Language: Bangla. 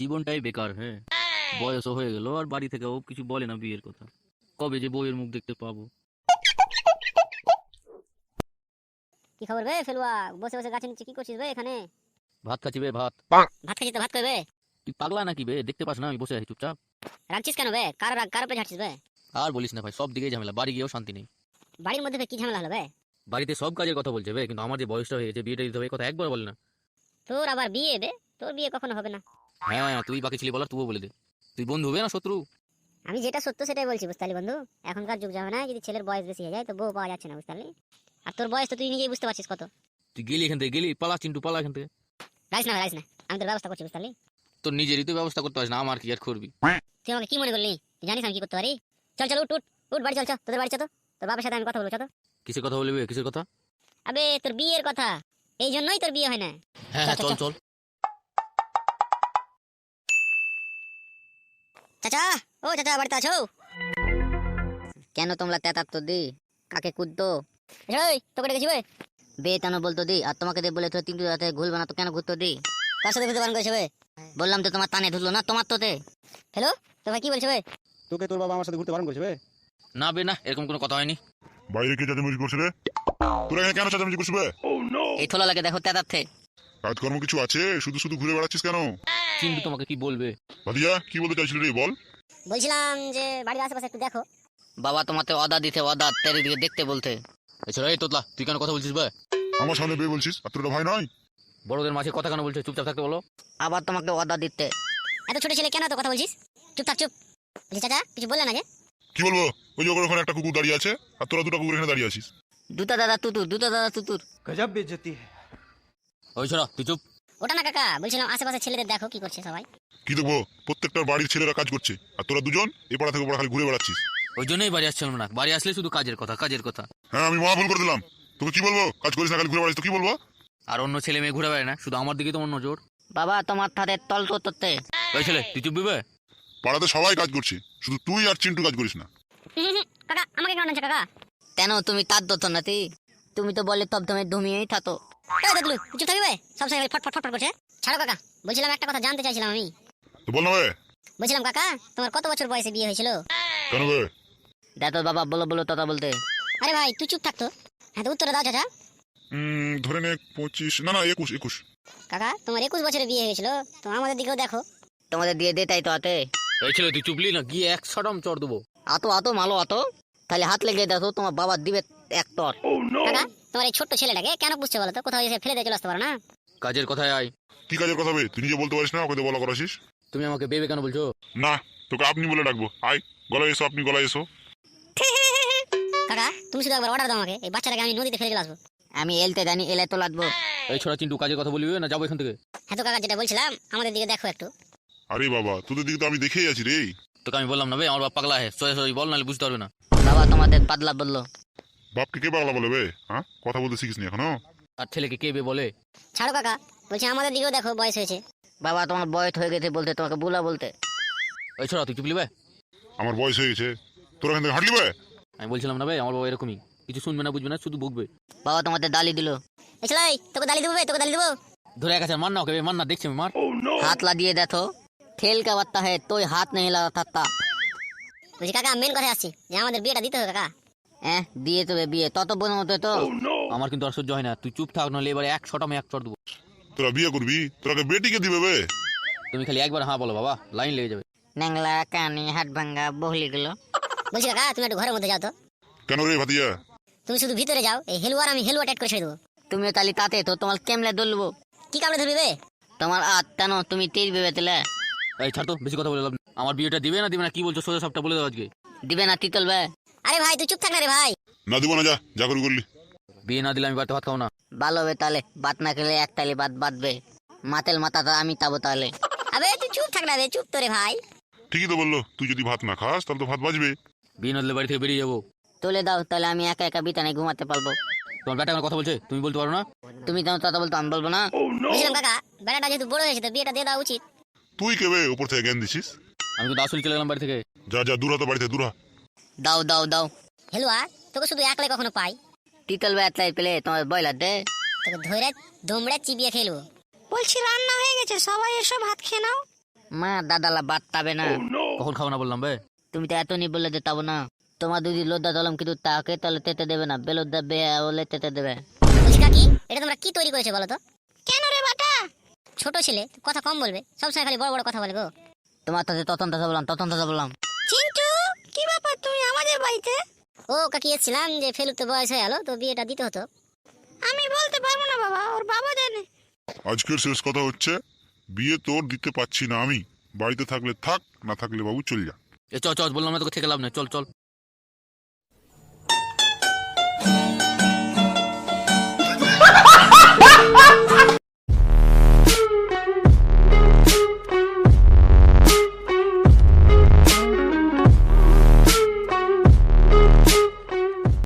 জীবনটাই বেকার। হ্যাঁ, বয়সও হয়ে গেল আর বাড়ি থেকেও কিছু বলে না বিয়ের কথা। কবে যে বউয়ের মুখ দেখতে পাবো। কি খবর বে ফেলুয়া? বসে বসে গাছের নিচে কি করছিস বে এখানে? ভাত খাচ্ছি বে, ভাত। ভাত খাচ্ছিস তো ভাত করবে? তুই পাগলা নাকি বে? দেখতে পাস না আমি বসে আছি চুপচাপ? রাখছিস কেন বে? কার রাগ কার উপরে ঝাড়ছিস বে? আর বলিস না ভাই, সব দিকেই ঝামেলা, বাড়ি গিয়েও শান্তি নেই। বাড়ির মধ্যে বে কি ঝামেলা হলো বে? বাড়িতে সব কাজের কথা বলছে বে, কিন্তু আমার যে বয়সটা হয়ে গেছে, বিয়েটা দিতে হবে, এই কথা একবার বলে না। তোর আবার বিয়ে বে? তোর বিয়ে কখনো হবে না। হ্যাঁ, তুই বাকি ছিলি বলার, তুইও বলে দে। তুই বন্ধু হবে না শত্রু? আমি যেটা সত্য সেটাই বলছি, বুঝতে পারলি বন্ধু? এখনকার যুগ যাবে না, যদি ছেলের বয়স বেশি হয়ে যায় তো বউ পাওয়া যাচ্ছে না, বুঝতে পারলি? আর তোর বয়স তো তুই নিজেই বুঝতে পারছিস কত। তুই গেলি এখান থেকে, গেলি, পালা চিন্টু, পালা এখান থেকে। রাইস না রাইস না, আমি তোর ব্যবস্থা করছি, বুঝতে পারলি? তোর নিজেরই তো ব্যবস্থা করতে পারিস না, আমার কি আর করবি? তুই আমাকে কি মনে করলি? তুই জানিস আমি কি করতে পারি? চল চল উঠ উঠ উঠ, বাড়ি চল, চল তোদের বাড়ি চল তো। তোর বাবার সাথে আমি কথা বলবো, চল তো। কিসের কথা বলবি? কিসের কথা? আবে তোর বিয়ের কথা, এই জন্যই তোর বিয়ে হয় না। হ্যাঁ হ্যাঁ, চল চল। চাচা, ও চাচা বাড়িতে আছো? কেন তোমরা তেতাত্তর তো দি কাকে কুদতো? এই তোকে ডেকেছি বে। বে কেন বলতো দি? আর তোমাকে দিয়ে বলে তো তিনটু রাতে ঘুরবে না তো কেন ঘুরতো দি? কার সাথে ঘুরতে বারণ করেছে বে? বললাম তো তোমার টানে ধরলো না, তোমার তোতে। হ্যালো, তো ভাই কি বলছে বে? তোকে তোর বাবা আমার সাথে ঘুরতে বারণ করেছে বে? না বে না, এরকম কোনো কথা হয়নি। বাইরে কে চেঁচামেচি করছে রে? তোরা এখানে কেন চেঁচামেচি করছিস বে? এই থোলা লাগে দেখো তেতাতে। কাজকর্ম কিছু আছে? শুধু শুধু ঘুরে বেড়াচ্ছিস কেন? চিন্টু তোমাকে কি বলবে? ভাদিয়া কি বলতে চাইছিলি রে, বল। বলছিলাম যে বাড়ির আশেপাশে একটু দেখো। বাবা তোমাতে অদা দিতে, অদা তেরে দিকে দেখতে বলতে। এছাড়া এই তোতলা, তুই কেন কথা বলছিস বে? আমার সামনে বে বলছিস? আর তোর ভাই নয়? বড়দের মাঝে কথা কেন বলছে? চুপচাপ থাকতে বলো। আবার তোমাকে অর্ডার দিতে। এত ছোট ছেলে কেন তো কথা বলছিস? চুপ থাক চুপ। বলছি চাচা কিছু বললে না যে? কি বলবো? ওই যে ওখানে একটা কুকুর দাঁড়িয়ে আছে আর তোরা দুটো কুকুর এখানে দাঁড়িয়ে আছিস। দুটা দাদা তুতুর, দুটা দাদা তুতুর। গজব বেইজ্জতি है। ওই ছড়া, তুই চুপ। ওটা না কাকা, বলছিলাম আশেপাশে ছেলেদের দেখো কি করছে সবাই। কি দেখবো? প্রত্যেকটা বাড়ির ছেলেরা কাজ করছে আর তোরা দুজন এই পাড়া থেকে পাড়া খালি ঘুরে বেড়াচ্ছিস। ওই জন্যই বাড়ি আসছিলাম না, বাড়ি আসলে শুধু কাজের কথা, কাজের কথা। হ্যাঁ, আমি মহা ভুল করে দিলাম। তোকে কি বলবো? কাজ করিস না, খালি ঘুরে বেড়াচ্ছিস, তো কি বলবো? আর অন্য ছেলে মেয়ে ঘুরে বেড়ায় না, শুধু আমার দিকে তোমার নজর। বাবা তোমার থাতে তল তো তোতে। ওই ছেলে, তুই চুপ দিবে? পাড়াতে সবাই কাজ করছে, শুধু তুই আর চিন্টু কাজ করিস না। কাকা আমাকে কেন আনছে কাকা? কেন তুমি তার দতো নাতি? তুমি তো বলে তব তুমি ধুমিয়েই থাতো। এই দেখলু চুপ থাকবে, সব সময় ফট ফট ফট ফট করছে। ছাড়ো কাকা, বলছিলাম একটা কথা জানতে চাইছিলাম আমি। তো বল না বে। বলছিলাম কাকা, তোমার কত বছর বয়সে বিয়ে হয়েছিল? কেন বে? দেখো বাবা, বলো বলো তথা বলতে। আরে ভাই তুই চুপ থাকতো। হ্যাঁ তো উত্তরে দাও চাচা। ধরে নে 25, না না 21। কাকা তোমার 21 বছরে বিয়ে হয়েছিল, তো আমাদের দিকেও দেখো। তোমাদের দিয়ে দে তাই তো হাতে। এই ছেলে তুই চুপলি না, গিয়ে এক ছড়ম চড় দেবো। আতো আতো মালো আতো, তাহলে হাত লেগে দেখো তোমার বাবা দিবে এক তর। কাকা তোমার এই ছোট্ট ছেলেটাকে কেন বুঝছে বলো তো? কোথাও এসে ফেলে দিয়ে চলে আসতে পারো না? কাজের কথায় আয়। কি কাজের কথা বে? তুই নিজে বলতে পারিস না, ওকে তো বলা করাছিস। তুমি আমাকে বেবে কেন বলছো? না, তোকে আপনি বলে ডাকবো। আয় গলায় এসো, আপনি গলায় এসো। কাকা তুমি শুধু একবার অর্ডার দাও আমাকে, এই বাচ্চাটাকে আমি নদীতে ফেলে চলে আসবো। আমি এলতে জানি, এলে তো লাগবো। এই ছড়া চিন্টু, কাজের কথা বলবি না যাবো এখান থেকে? হ্যাঁ তো কাকা যেটা বলছিলাম, আমাদের দিকে দেখো একটু। আরে বাবা, তোদের দিকে তো আমি দেখেই আছি রে। তোকে আমি বললাম না বে, আমার বাপ পাগলা হয়, সোজা সোজা বল, নাহলে বুঝতে পারবে না। বাবা তোমাদের পাতলা বললো। বাপকে কে পাগলা বলে বে? হ্যাঁ, কথা বলতে শিখিস নি এখনো? আর ছেলেকে কে বে বলে? ছাড়ো কাকা, বলছি আমাদের দিকেও দেখো, বয়স হয়েছে। বাবা তোমার বয়স হয়ে গেছে বলতে, তোমাকে বুলা বলতে। ওই ছড়া তুই চুপলি বে? আমার বয়স হয়ে গেছে, তোরা এখান থেকে হাঁটলি বে? আমি বলছিলাম না বে, আমার বাবা এরকমই, কিছু শুনবে না বুঝবে না, শুধু বকবে। বাবা তোমাদের দালি দিল। এসলাই তোকে দালি দেবো, তোকে দালি দেবো। ধরে এক আছে, মার না ওকে বে, মার না, দেখছি আমি, মার। हाथ ला दिए देखो, खेल का बत्ता है तो हाथ नहीं लगा था। বুঝি কাকা মেন কথা আসছি যে আমাদের বিয়েটা দিতে হবে কাকা। দিয়ে তো বিয়ে তত বোন মতো তো। আমার কিন্তু আর সহ্য হয় না, তুই চুপ থাক, নাহলে এবারে এক ছটা আমি এক চড় দেবো। তোরা বিয়ে করবি? তোরাকে বেটিকে দিবে বে? তুমি খালি একবার হ্যাঁ বলো বাবা, লাইন লেগে যাবে। ন্যাংলা কানি হাত ভাঙ্গা বহলি গুলো। বলছি কাকা তুমি একটু ঘরের মধ্যে যাও তো। কেন রে ভাতিয়া? তুমি শুধু ভিতরে যাও, এই হেলুয়ার আমি হেলুয়া টাইট করে ছেড়ে দেবো। তুমিও তালি তাতে তো তোমার কেমলে দলবো। কি কামড়ে ধরবে? তোমার আত্মানো তুমি তীর ভেবে তেলে। এই ছাড় তো, বেশি কথা বলে লাভ নেই। আমার বিয়েটা দিবে না দিবে না কি বলছো, সোজা সবটা বলে দাও আজকে। দিবে না তিতল বে। আরে ভাই তুই চুপ থাক না রে ভাই। না দিব না, যা যা করে করলি। বিয়ে না দিলে আমি বাড়িতে ভাত খাও না। ভালো হবে তাহলে, বাত না খেলে এক তালি বাত বাঁধবে। মাতেল মাথাটা আমি তাবো তাহলে। আবে তুই চুপ থাক না রে, চুপ তো রে ভাই। ঠিকই তো বললো, তুই যদি ভাত না খাস তাহলে তো ভাত বাজবে। বিয়ে না দিলে বাড়ি থেকে বেরিয়ে যাবো। তুলে দাও তাহলে আমি একা একা বিতানে ঘুমাতে পারবো। তোমার বেটা আমার কথা বলছে, তুমি বলতে পারো না? তুমি যেমন কথা বলতো আমি বলবো না। বুঝলাম কাকা, বেটাটা যেহেতু বড় হয়েছে তো বিয়েটা দিয়ে দেওয়া উচিত। তুই কে বে উপর থেকে জ্ঞান দিছিস? আমি কিন্তু আসলে চলে গেলাম বাড়ি থেকে। যা যা, দূর হতো বাড়িতে, দূর হ। দাও দাও দাও। হেলুয়া তোকে শুধু একলাই কখনো পাই। তিতল বেতলাই পেলে তোমার বয়লার দে, তোকে ধরে দমড়ে চিবিয়ে খেলবো। বলছি রান্না হয়ে গেছে, সবাই এসো ভাত খেয়ে নাও। মা দাদালা বাদ তাবে না। কখন খাবো না বললাম বে? তুমি তো এত নি বললে যে তাবো না। তোমার দিদি লোদ্দা দলম কিন্তু তাকে তাহলে তেতে দেবে না, বেলোদ্দা বে বলে তেতে দেবে। বলছি কাকি, এটা তোমরা কি তৈরি করেছো বলো তো? কেন রে বাটা? ছোট ছেলে, কথা কম বলবে, সবসময় খালি বড় বড় কথা বলে গো। তোমার তাতে ততন বললাম। চিন্টু, কি ব্যাপার তুমি আমাদের বাড়িতে? ও কাকি, এসেছিলাম যে ফেলুর তো বয়স হয়ে গেল, তো বিয়েটা দিতে হতো। আমি বলতে পারবো না বাবা, ওর বাবা জানে। আজকের শেষ কথা হচ্ছে, বিয়ে তোর দিতে পারছি না আমি। বাড়িতে থাকলে থাক, না থাকলে বাবু চল যা। এ চ চ বললাম না তোকে থেকে লাভ নেই, চল চল।